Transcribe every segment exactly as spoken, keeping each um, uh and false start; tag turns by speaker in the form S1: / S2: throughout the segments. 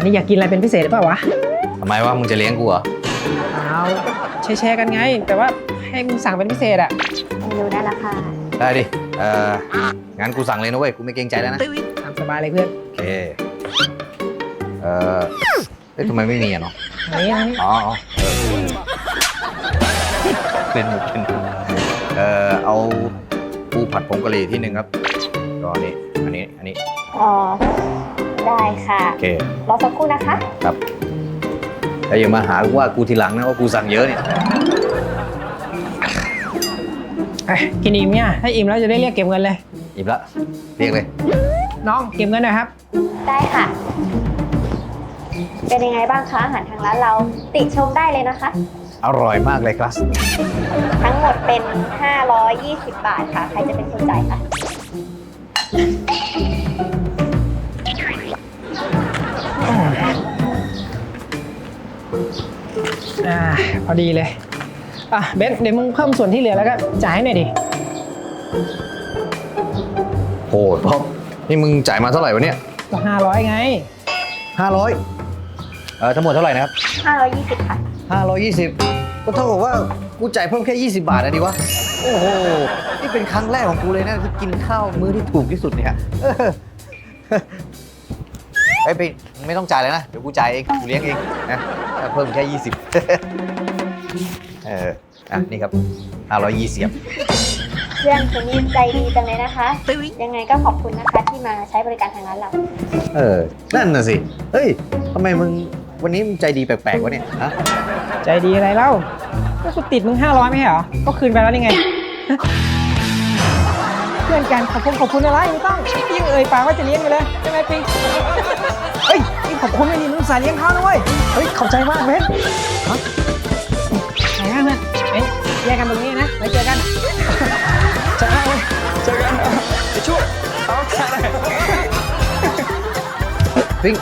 S1: วันนี้อยากกินอะไรเป็นพิเศษหรือเปล่าวะ
S2: ทำไมว่ามึงจะเลี้ยงกูเหรอ
S1: เอาแชร์กันไงแต่ว่าให้มึงสั่งเป็นพิเศษอะ
S3: เมนูได้ละค่ะ
S2: ได้ดิเอองั้นกูสั่งเลยนะเว้ยกูไม่เกรงใจแล้วนะ
S1: ตามสบายเลยเพื่อน
S2: โอเคเออเฮ้ยทำไมไม่มีอ่ะเนาะ
S1: ไหนอันนี้
S2: อ๋อเออเป็นหมดเป็นเออเอาปูผัดผงกะหรี่ที่หนึ่งครับก็นี่อันนี้อันนี้
S3: อ๋อได้ค่ะ
S2: โอเค
S3: รอสักครู่นะคะ
S2: ครับแต่อย่ามาหาว่ากูทีหลังนะว่ากูสั่งเยอะเนี่ย
S1: กินอิ่มเนี่ยถ้าอิ่มแล้วจะได้เรียกเก็บเงินเลย
S2: อิ่มละเรียกเลย
S1: น้องเก็บเงินหน่อยครับ
S3: ได้ค่ะเป็นยังไงบ้างคะอาหารทางร้านเราติชมได้เลยนะคะ
S2: อร่อยมากเลยครับ
S3: ทั้งหมดเป็นห้าร้อยยี่สิบบาทค่ะใครจะเป็นคนจ่ายคะ
S1: อ่าพอดีเลยอ่ะเบนเดี๋ยวมึงเพิ่มส่วนที่เหลือแล้วก็จ่ายให้หน่อยดิ
S2: โหท็อปนี่มึงจ่ายมาเท่าไหร่วะเนี่ย
S1: ก็ห้าร้อยไง
S2: ห้าร้อยเออทั้งหมดเท่าไหร่นะครับ
S3: ห้าร้อยยี่สิบค่ะ
S2: ห้าร้อยยี่สิบก็เท่ากับว่ากูจ่ายเพิ่มแค่ยี่สิบบาทนะดิวะโอ้โหนี่เป็นครั้งแรกของกูเลยนะที่กินข้าวมื้อที่ถูกที่สุดเนี่ยไอ้ไปไม่ต้องจ่ายเลยนะเดี๋ยวกูจ่ายเองกูเลี้ยงเองนะเพิ่มแค่ยี่สิบเอออ่ะนี่ครับห้าร้อยยี่สิบ
S3: เพื่อนคนนี้ใจดีจังเลยนะคะยังไงก็ขอบคุณนะคะที่มาใช้บริการทางร้านเรา
S2: เออนั่นน่ะสิเฮ้ยทำไมมึงวันนี้มึงใจดีแปลกๆวะเนี่ยฮะ
S1: ใจดีอะไรเล่าก็กูติดมึงห้าร้อยไม่ใช่เหรอก็คืนไปแล้วนี่ไงเพื่อนกันขอบคุณขอบคุณอะไรไม่ต้องยังเอ่ยปากว่าจะเลี้ยงอยู่เลยใช่ไหมปิ๊งเฮ้ยนี่ขอบคุณไม่ดีมึงสายเลี้ยงเขานะเว้ยเฮ้ยขอบใจมากเบนฮะไหนกันเนี่ยเอ้ยแยกกันตรงนี้นะไว้เจอกันเจอกันเจอกันไปช่วยเอาแค่ไหน
S2: ปิ๊ง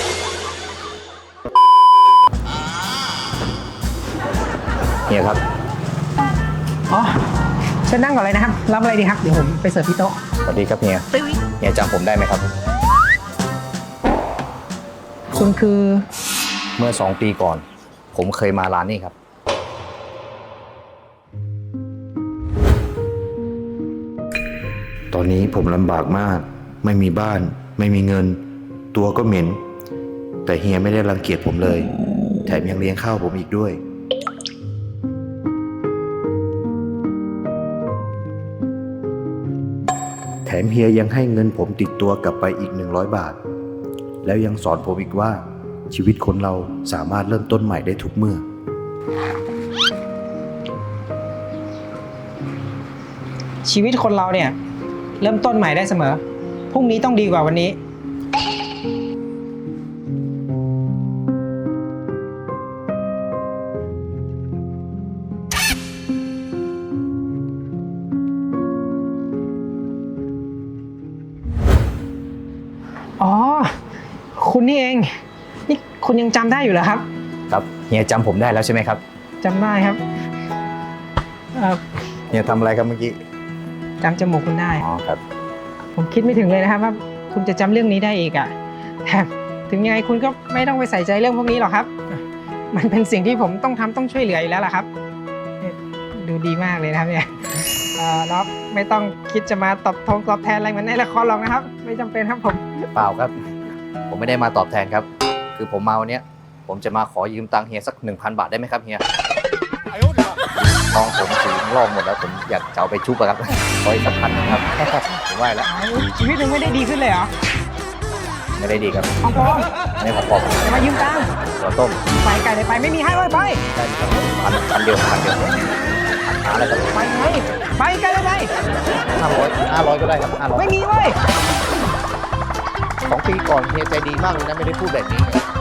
S2: เฮียครับ
S1: อ๋อเชิญนั่งก่อนเลยนะครับรับอะไรดีครับเดี๋ยวผมไปเสิร์ฟที่โต๊ะ
S2: สวัสดีครับเฮียเฮียจำผมได้ไหมครับ
S1: คุณคือ
S2: เมื่อสองปีก่อนผมเคยมาร้านนี้ครับ
S4: ตอนนี้ผมลำบากมากไม่มีบ้านไม่มีเงินตัวก็เหม็นแต่เฮียไม่ได้รังเกียจผมเลยแถมยังเลี้ยงข้าวผมอีกด้วยแถมเฮียยังให้เงินผมติดตัวกลับไปอีกหนึ่งร้อยบาทแล้วยังสอนผมอีกว่าชีวิตคนเราสามารถเริ่มต้นใหม่ได้ทุกเมื่อ
S1: ชีวิตคนเราเนี่ยเริ่มต้นใหม่ได้เสมอพรุ่งนี้ต้องดีกว่าวันนี้อ๋อคุณนี่เองนี่คุณยังจำได้อยู่เหรอครับ
S2: ครับเฮียจำผมได้แล้วใช่ไหมครับ
S1: จำได้ครับ
S2: เฮียทำอะไรครับเมื่อกี้
S1: จำจมูกคุณได้
S2: อ๋อครับ
S1: ผมคิดไม่ถึงเลยนะครับว่าคุณจะจำเรื่องนี้ได้อีกอ่ะแถมถึงยังไงคุณก็ไม่ต้องไปใส่ใจเรื่องพวกนี้หรอกครับมันเป็นสิ่งที่ผมต้องทำต้องช่วยเหลืออยู่แล้วล่ะครับดูดีมากเลยนะครับเนี่ยแล้วไม่ต้องคิดจะมาตอบทงตอบแทนอะไรเหมือนในละครหรอกนะครับไม่จำเป็นครับผม
S2: เปล่าครับผมไม่ได้มาตอบแทนครับคือผมมาวันนี้ผมจะมาขอยืมตังค์เฮียสักหนึ่งพันบาทได้ไหมครับเฮียน้องผมถึงลองหมดแล้วผมอยากจะเอาไปชุบอะครับขออีกสักพันนะครับผมว่าแล้ว
S1: ชีวิตมึงไม่ได้ดีขึ้นเลยเหรอ
S2: ไม่ได้ดีครับ
S1: ของปลอม
S2: ไม่ของปลอม
S1: จะมายืมตังค์
S2: ตัวต้ม
S1: ไปไก่เลยไปไม่มีให้เลยไป
S2: ได้ครับพันพันเดียวพันเดียวหาอะไรกัน
S1: ไปไงไปไก่เลยไป
S2: ห้าร้อยห้าร้อยก็ได้ครับห้าร้อย
S1: ไม่มีเว้ย
S2: สองปีก่อนเฮียใจดีมากเลยนะไม่ได้พูดแบบนี้